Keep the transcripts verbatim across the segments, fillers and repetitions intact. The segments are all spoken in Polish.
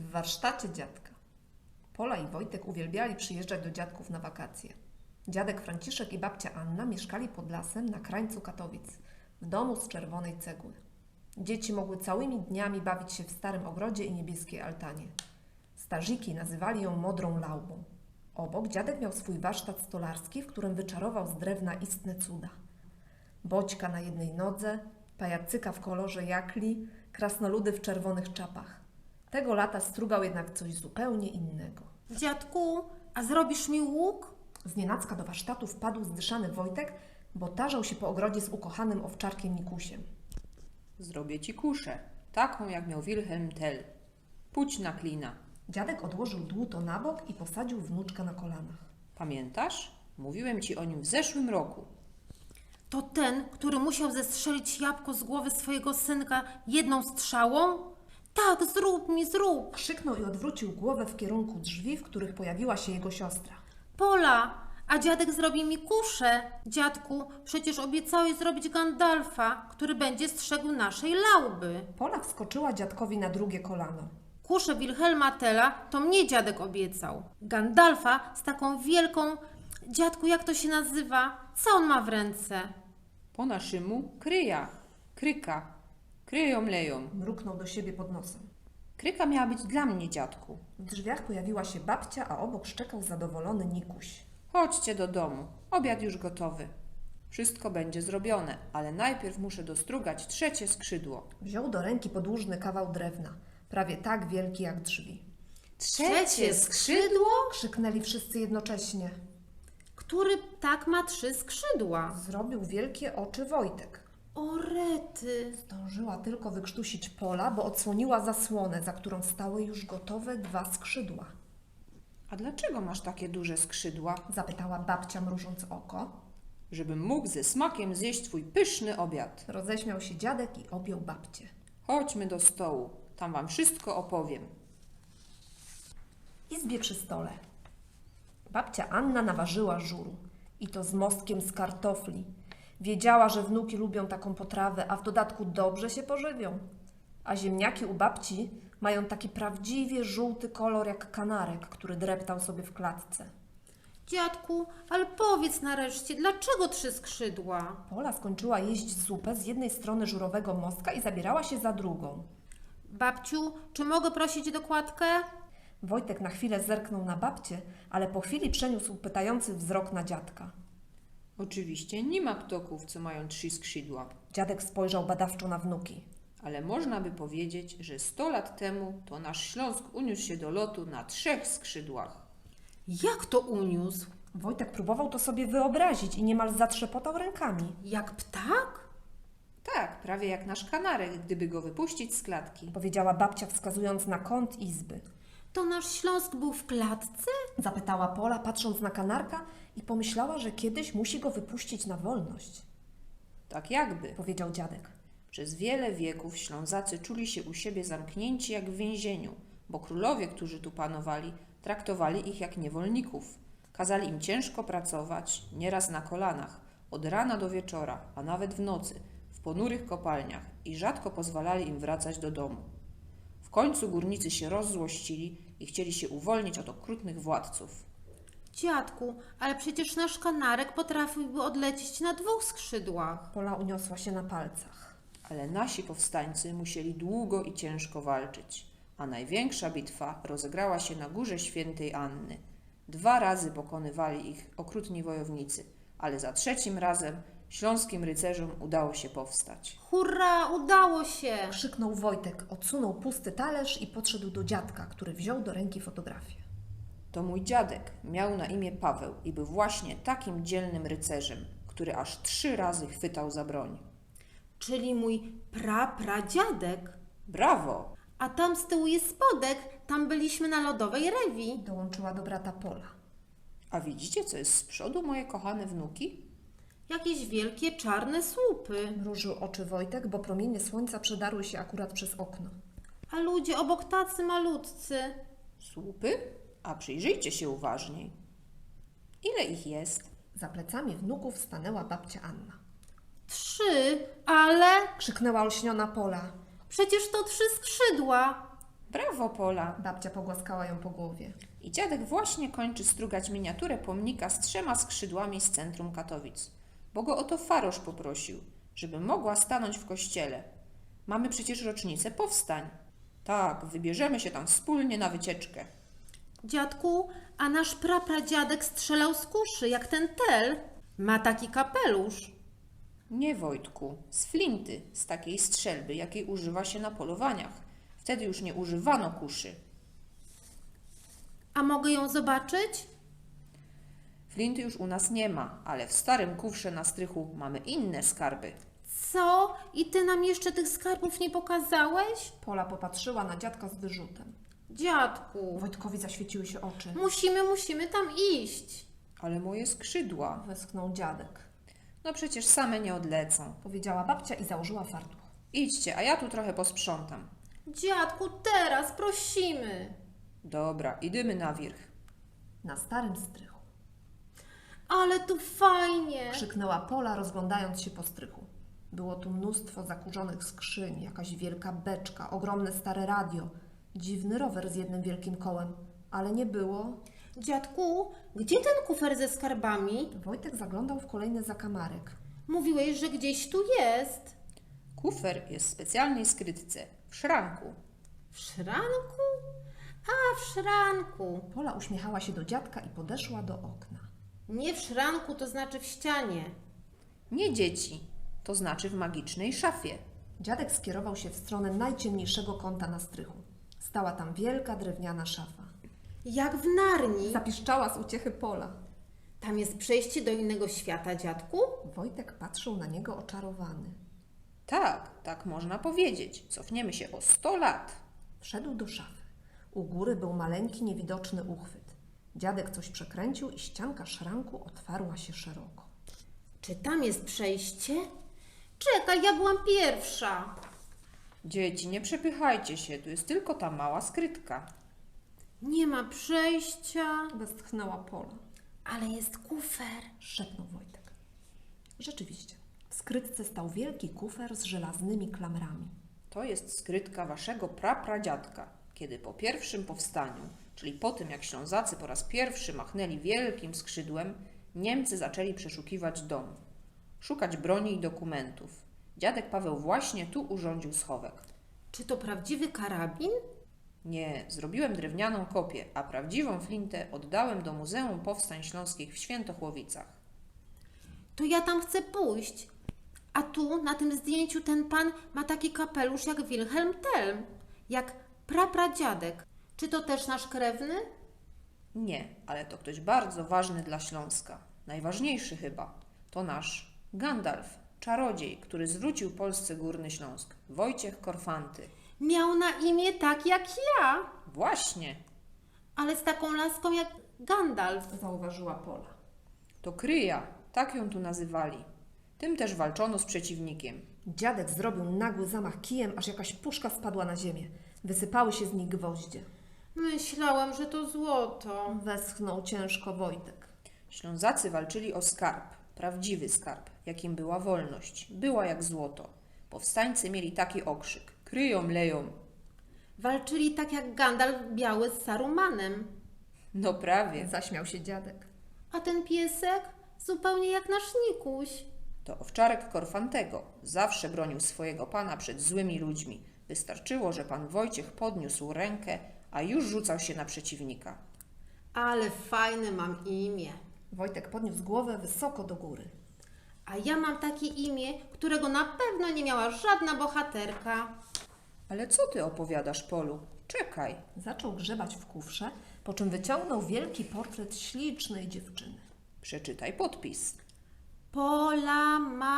W warsztacie dziadka. Pola i Wojtek uwielbiali przyjeżdżać do dziadków na wakacje. Dziadek Franciszek i babcia Anna mieszkali pod lasem na krańcu Katowic, w domu z czerwonej cegły. Dzieci mogły całymi dniami bawić się w starym ogrodzie i niebieskiej altanie. Starziki nazywali ją modrą laubą. Obok dziadek miał swój warsztat stolarski, w którym wyczarował z drewna istne cuda. Boćka na jednej nodze, pajacyka w kolorze jakli, krasnoludy w czerwonych czapach. Tego lata strugał jednak coś zupełnie innego. Dziadku, a zrobisz mi łuk? Znienacka do warsztatu wpadł zdyszany Wojtek, bo tarzał się po ogrodzie z ukochanym owczarkiem Mikusiem. Zrobię ci kuszę, taką jak miał Wilhelm Tell. Pójdź na klina. Dziadek odłożył dłuto na bok i posadził wnuczka na kolanach. Pamiętasz? Mówiłem ci o nim w zeszłym roku. To ten, który musiał zestrzelić jabłko z głowy swojego synka jedną strzałą? Tak, zrób mi, zrób. Krzyknął i odwrócił głowę w kierunku drzwi, w których pojawiła się jego siostra. Pola, a dziadek zrobi mi kuszę. Dziadku, przecież obiecałeś zrobić Gandalfa, który będzie strzegł naszej lauby. Pola wskoczyła dziadkowi na drugie kolano. Kuszę Wilhelma Tella to mnie dziadek obiecał. Gandalfa z taką wielką... Dziadku, jak to się nazywa? Co on ma w ręce? Po naszemu kryja, kryka, kryją leją. Mruknął do siebie pod nosem. Kryka miała być dla mnie, dziadku. W drzwiach pojawiła się babcia, a obok szczekał zadowolony Nikuś. Chodźcie do domu, obiad już gotowy. Wszystko będzie zrobione, ale najpierw muszę dostrugać trzecie skrzydło. Wziął do ręki podłużny kawał drewna, prawie tak wielki jak drzwi. Trzecie skrzydło? Krzyknęli wszyscy jednocześnie. Który ptak ma trzy skrzydła? Zrobił wielkie oczy Wojtek. O rety! Zdążyła tylko wykrztusić Pola, bo odsłoniła zasłonę, za którą stały już gotowe dwa skrzydła. A dlaczego masz takie duże skrzydła? Zapytała babcia, mrużąc oko. Żebym mógł ze smakiem zjeść twój pyszny obiad. Roześmiał się dziadek i objął babcię. Chodźmy do stołu, tam wam wszystko opowiem. W izbie przy stole. Babcia Anna naważyła żuru. I to z mostkiem z kartofli. Wiedziała, że wnuki lubią taką potrawę, a w dodatku dobrze się pożywią. A ziemniaki u babci mają taki prawdziwie żółty kolor jak kanarek, który dreptał sobie w klatce. Dziadku, ale powiedz nareszcie, dlaczego trzy skrzydła? Pola skończyła jeść zupę z jednej strony żurowego mostka i zabierała się za drugą. Babciu, czy mogę prosić dokładkę? Wojtek na chwilę zerknął na babcię, ale po chwili przeniósł pytający wzrok na dziadka. Oczywiście nie ma ptoków, co mają trzy skrzydła, Dziadek spojrzał badawczo na wnuki. ale można by powiedzieć, że sto lat temu to nasz Śląsk uniósł się do lotu na trzech skrzydłach. Jak to uniósł? Wojtek próbował to sobie wyobrazić i niemal zatrzepotał rękami. Jak ptak? Tak, prawie jak nasz kanarek, gdyby go wypuścić z klatki. Powiedziała babcia, wskazując na kąt izby. To nasz Śląsk był w klatce? Zapytała Pola, patrząc na kanarka i pomyślała, że kiedyś musi go wypuścić na wolność. Tak jakby. Powiedział dziadek. Przez wiele wieków Ślązacy czuli się u siebie zamknięci jak w więzieniu, bo królowie, którzy tu panowali, traktowali ich jak niewolników. Kazali im ciężko pracować, nieraz na kolanach, od rana do wieczora, a nawet w nocy, w ponurych kopalniach i rzadko pozwalali im wracać do domu. W końcu górnicy się rozzłościli i chcieli się uwolnić od okrutnych władców. Dziadku, ale przecież nasz kanarek potrafiłby odlecieć na dwóch skrzydłach. Pola uniosła się na palcach. Ale nasi powstańcy musieli długo i ciężko walczyć, a największa bitwa rozegrała się na Górze Świętej Anny. Dwa razy pokonywali ich okrutni wojownicy, ale za trzecim razem śląskim rycerzom udało się powstać. Hurra, udało się! Krzyknął Wojtek, odsunął pusty talerz i podszedł do dziadka, który wziął do ręki fotografię. To mój dziadek, miał na imię Paweł i był właśnie takim dzielnym rycerzem, który aż trzy razy chwytał za broń. Czyli mój prapradziadek. Brawo! A tam z tyłu jest spodek, tam byliśmy na lodowej rewi. Dołączyła do brata Pola. A widzicie, co jest z przodu, moje kochane wnuki? Jakieś wielkie czarne słupy. Mrużył oczy Wojtek, bo promienie słońca przedarły się akurat przez okno. A ludzie obok tacy malutcy. Słupy? A przyjrzyjcie się uważniej. Ile ich jest? Za plecami wnuków stanęła babcia Anna. Trzy, ale Krzyknęła olśniona Pola. przecież to trzy skrzydła. Brawo, Pola! Babcia pogłaskała ją po głowie. I dziadek właśnie kończy strugać miniaturę pomnika z trzema skrzydłami z centrum Katowic, bo go o to Farosz poprosił, żeby mogła stanąć w kościele. Mamy przecież rocznicę powstań. Tak, wybierzemy się tam wspólnie na wycieczkę. Dziadku, a nasz prapradziadek strzelał z kuszy, jak ten tel. Ma taki kapelusz. Nie, Wojtku, z flinty, z takiej strzelby, jakiej używa się na polowaniach. Wtedy już nie używano kuszy. A mogę ją zobaczyć? Flinty już u nas nie ma, ale w starym kufrze na strychu mamy inne skarby. Co? I ty nam jeszcze tych skarbów nie pokazałeś? Pola popatrzyła na dziadka z wyrzutem. Dziadku, Wojtkowi zaświeciły się oczy. musimy, musimy tam iść. Ale moje skrzydła, Westchnął dziadek. no przecież same nie odlecą. Powiedziała babcia i założyła fartuch. Idźcie, a ja tu trochę posprzątam. Dziadku, teraz prosimy. Dobra, idziemy na wierzch. Na starym strychu. Ale tu fajnie. Krzyknęła Pola, rozglądając się po strychu. Było tu mnóstwo zakurzonych skrzyń, jakaś wielka beczka, ogromne stare radio, dziwny rower z jednym wielkim kołem, ale nie było. Dziadku, gdzie ten kufer ze skarbami? Wojtek zaglądał w kolejny zakamarek. Mówiłeś, że gdzieś tu jest. Kufer jest w specjalnej skrytce, w szranku. W szranku? A, w szranku. Pola uśmiechała się do dziadka i podeszła do okna. Nie w szranku, to znaczy w ścianie. Nie dzieci, to znaczy w magicznej szafie. Dziadek skierował się w stronę najciemniejszego kąta na strychu. Stała tam wielka drewniana szafa. Jak w Narni. Zapiszczała z uciechy Pola. Tam jest przejście do innego świata, dziadku? Wojtek patrzył na niego oczarowany. Tak, tak można powiedzieć. Cofniemy się o sto lat. Wszedł do szafy. U góry był maleńki, niewidoczny uchwyt. Dziadek coś przekręcił i ścianka szranku otwarła się szeroko. Czy tam jest przejście? Czekaj, ja byłam pierwsza. Dzieci, nie przepychajcie się, tu jest tylko ta mała skrytka. Nie ma przejścia, Westchnęła Pola. ale jest kufer. Szepnął Wojtek. Rzeczywiście, w skrytce stał wielki kufer z żelaznymi klamrami. To jest skrytka waszego prapradziadka, kiedy po pierwszym powstaniu, czyli po tym jak Ślązacy po raz pierwszy machnęli wielkim skrzydłem, Niemcy zaczęli przeszukiwać dom, szukać broni i dokumentów. Dziadek Paweł właśnie tu urządził schowek. Czy to prawdziwy karabin? Nie, zrobiłem drewnianą kopię, a prawdziwą flintę oddałem do Muzeum Powstań Śląskich w Świętochłowicach. To ja tam chcę pójść. A tu, na tym zdjęciu, ten pan ma taki kapelusz jak Wilhelm Tell, jak prapradziadek. Czy to też nasz krewny? Nie, ale to ktoś bardzo ważny dla Śląska. Najważniejszy chyba. To nasz Gandalf, czarodziej, który zwrócił Polsce Górny Śląsk. Wojciech Korfanty. Miał na imię tak jak ja, Właśnie, ale z taką laską jak Gandalf. Zauważyła Pola. to Kryja, tak ją tu nazywali. Tym też walczono z przeciwnikiem. Dziadek zrobił nagły zamach kijem, aż jakaś puszka spadła na ziemię. Wysypały się z niej gwoździe. Myślałam, że to złoto. Westchnął ciężko Wojtek. Ślązacy walczyli o skarb, prawdziwy skarb, jakim była wolność. Była jak złoto. Powstańcy mieli taki okrzyk. Kryją, leją. Walczyli tak jak Gandalf biały z Sarumanem. No prawie. Zaśmiał się dziadek. A ten piesek? Zupełnie jak nasz Nikuś. To owczarek Korfantego. Zawsze bronił swojego pana przed złymi ludźmi. Wystarczyło, że pan Wojciech podniósł rękę, a już rzucał się na przeciwnika. Ale fajne mam imię. Wojtek podniósł głowę wysoko do góry. A ja mam takie imię, którego na pewno nie miała żadna bohaterka. Ale co ty opowiadasz, Polu? Czekaj. Zaczął grzebać w kufrze, po czym wyciągnął wielki portret ślicznej dziewczyny. Przeczytaj podpis. Pola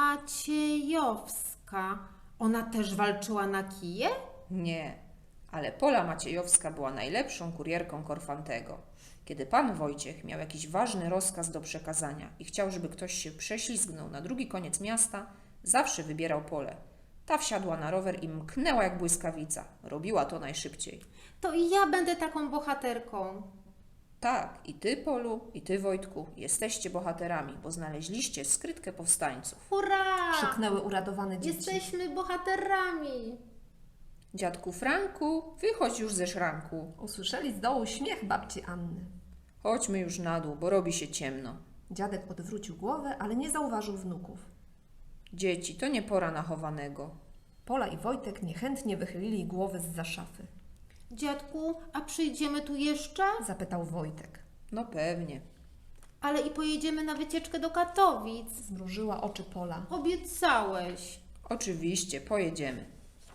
Maciejowska. Ona też walczyła na kije? Nie, ale Pola Maciejowska była najlepszą kurierką Korfantego. Kiedy pan Wojciech miał jakiś ważny rozkaz do przekazania i chciał, żeby ktoś się prześlizgnął na drugi koniec miasta, zawsze wybierał Polę. Ta wsiadła na rower i mknęła jak błyskawica. Robiła to najszybciej. To i ja będę taką bohaterką. Tak, i ty, Polu, i ty, Wojtku, jesteście bohaterami, bo znaleźliście skrytkę powstańców. Hurra! Krzyknęły uradowane dzieci. Jesteśmy bohaterami. Dziadku Franku, wychodź już ze szranku. Usłyszeli z dołu śmiech babci Anny. Chodźmy już na dół, bo robi się ciemno. Dziadek odwrócił głowę, ale nie zauważył wnuków. Dzieci, to nie pora na chowanego. Pola i Wojtek niechętnie wychylili głowy zza szafy. Dziadku, a przyjdziemy tu jeszcze? Zapytał Wojtek. No pewnie. Ale i pojedziemy na wycieczkę do Katowic. Zmrużyła oczy Pola. Obiecałeś. Oczywiście, pojedziemy.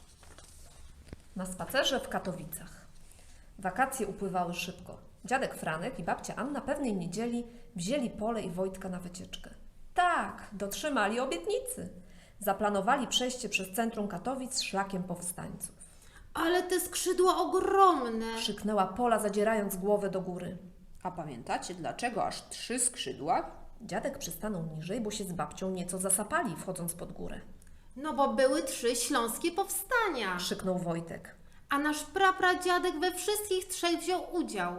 Na spacerze w Katowicach. Wakacje upływały szybko. Dziadek Franek i babcia Anna pewnej niedzieli wzięli Polę i Wojtka na wycieczkę. Tak, dotrzymali obietnicy. Zaplanowali przejście przez centrum Katowic szlakiem powstańców. Ale te skrzydła ogromne. Krzyknęła Pola, zadzierając głowę do góry. A pamiętacie, dlaczego aż trzy skrzydła? Dziadek przystanął niżej, bo się z babcią nieco zasapali, wchodząc pod górę. No bo były trzy śląskie powstania. Krzyknął Wojtek. A nasz prapradziadek we wszystkich trzech wziął udział.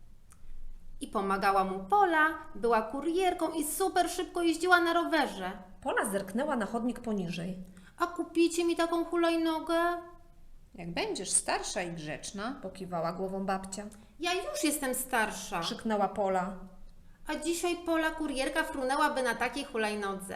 I pomagała mu Pola, była kurierką i super szybko jeździła na rowerze. Pola zerknęła na chodnik poniżej. A kupicie mi taką hulajnogę? Jak będziesz starsza i grzeczna, Pokiwała głową babcia. Ja już jestem starsza. Krzyknęła Pola. A dzisiaj Pola kurierka frunęłaby na takiej hulajnodze.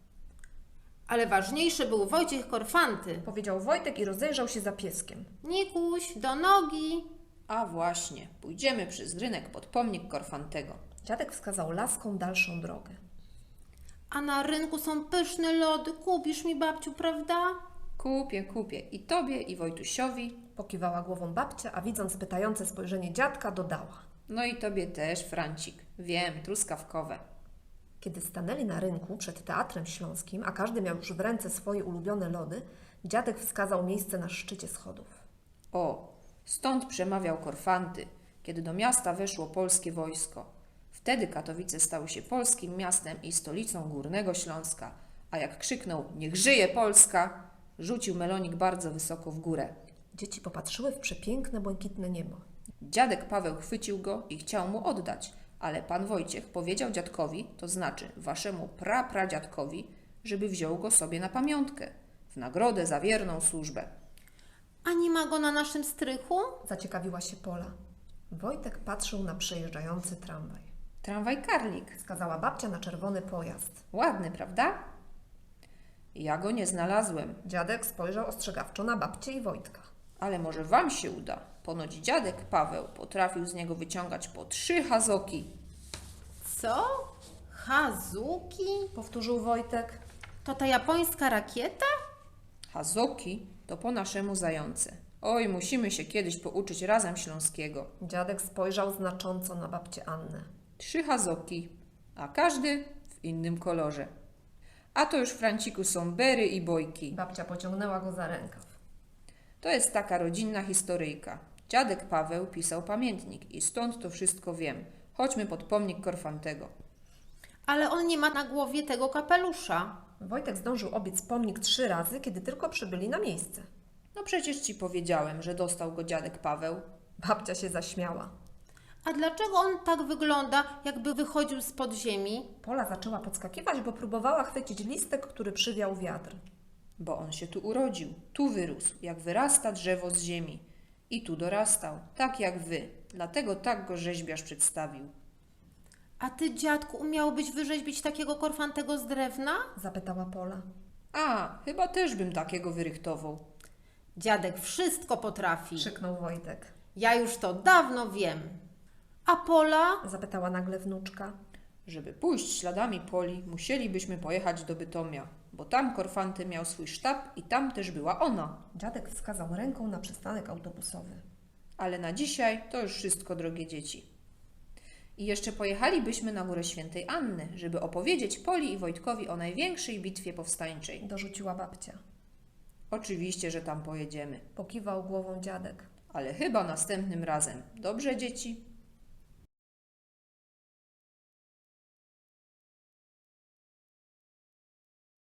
Ale ważniejszy był Wojciech Korfanty. Powiedział Wojtek i rozejrzał się za pieskiem. Nikuś, do nogi. a właśnie, pójdziemy przez rynek pod pomnik Korfantego. Dziadek wskazał laską dalszą drogę. A na rynku są pyszne lody. Kupisz mi, babciu, prawda? Kupię, kupię i tobie, i Wojtusiowi, Pokiwała głową babcia, a widząc pytające spojrzenie dziadka, dodała. no i tobie też, Francik. Wiem, truskawkowe. Kiedy stanęli na rynku przed Teatrem Śląskim, a każdy miał już w ręce swoje ulubione lody, dziadek wskazał miejsce na szczycie schodów. O, stąd przemawiał Korfanty, kiedy do miasta weszło polskie wojsko. Wtedy Katowice stały się polskim miastem i stolicą Górnego Śląska, a jak krzyknął „Niech żyje Polska!”, rzucił melonik bardzo wysoko w górę. Dzieci popatrzyły w przepiękne, błękitne niebo. Dziadek Paweł chwycił go i chciał mu oddać, ale pan Wojciech powiedział dziadkowi, to znaczy waszemu prapradziadkowi, żeby wziął go sobie na pamiątkę, w nagrodę za wierną służbę. A nie ma go na naszym strychu? Zaciekawiła się Pola. Wojtek patrzył na przejeżdżający tramwaj. Tramwaj Karlik. Wskazała babcia na czerwony pojazd. Ładny, prawda? Ja go nie znalazłem, Dziadek spojrzał ostrzegawczo na babcię i Wojtka. ale może wam się uda. Ponoć dziadek Paweł potrafił z niego wyciągać po trzy hazoki. Co? Hazuki? Powtórzył Wojtek. To ta japońska rakieta? Hazoki to po naszemu zające. Oj, musimy się kiedyś pouczyć razem śląskiego. Dziadek spojrzał znacząco na babcię Annę. Trzy hazoki, a każdy w innym kolorze. A to już, Franciku, są bery i bojki. Babcia pociągnęła go za rękaw. To jest taka rodzinna historyjka. Dziadek Paweł pisał pamiętnik i stąd to wszystko wiem. Chodźmy pod pomnik Korfantego. Ale on nie ma na głowie tego kapelusza. Wojtek zdążył obiec pomnik trzy razy, kiedy tylko przybyli na miejsce. No przecież ci powiedziałem, że dostał go dziadek Paweł. Babcia się zaśmiała. A dlaczego on tak wygląda, jakby wychodził z podziemi? Pola zaczęła podskakiwać, bo próbowała chwycić listek, który przywiał wiatr. Bo on się tu urodził, tu wyrósł, jak wyrasta drzewo z ziemi. I tu dorastał, tak jak wy. Dlatego tak go rzeźbiarz przedstawił. A ty, dziadku, umiałbyś wyrzeźbić takiego korfantego z drewna? Zapytała Pola. A, chyba też bym takiego wyrychtował. Dziadek wszystko potrafi. Krzyknął Wojtek. Ja już to dawno wiem. A Pola? Zapytała nagle wnuczka. Żeby pójść śladami Poli, musielibyśmy pojechać do Bytomia, bo tam Korfanty miał swój sztab i tam też była ona. Dziadek wskazał ręką na przystanek autobusowy. Ale na dzisiaj to już wszystko, drogie dzieci. I jeszcze pojechalibyśmy na Górę Świętej Anny, żeby opowiedzieć Poli i Wojtkowi o największej bitwie powstańczej. Dorzuciła babcia. Oczywiście, że tam pojedziemy, Pokiwał głową dziadek. ale chyba następnym razem. Dobrze, dzieci?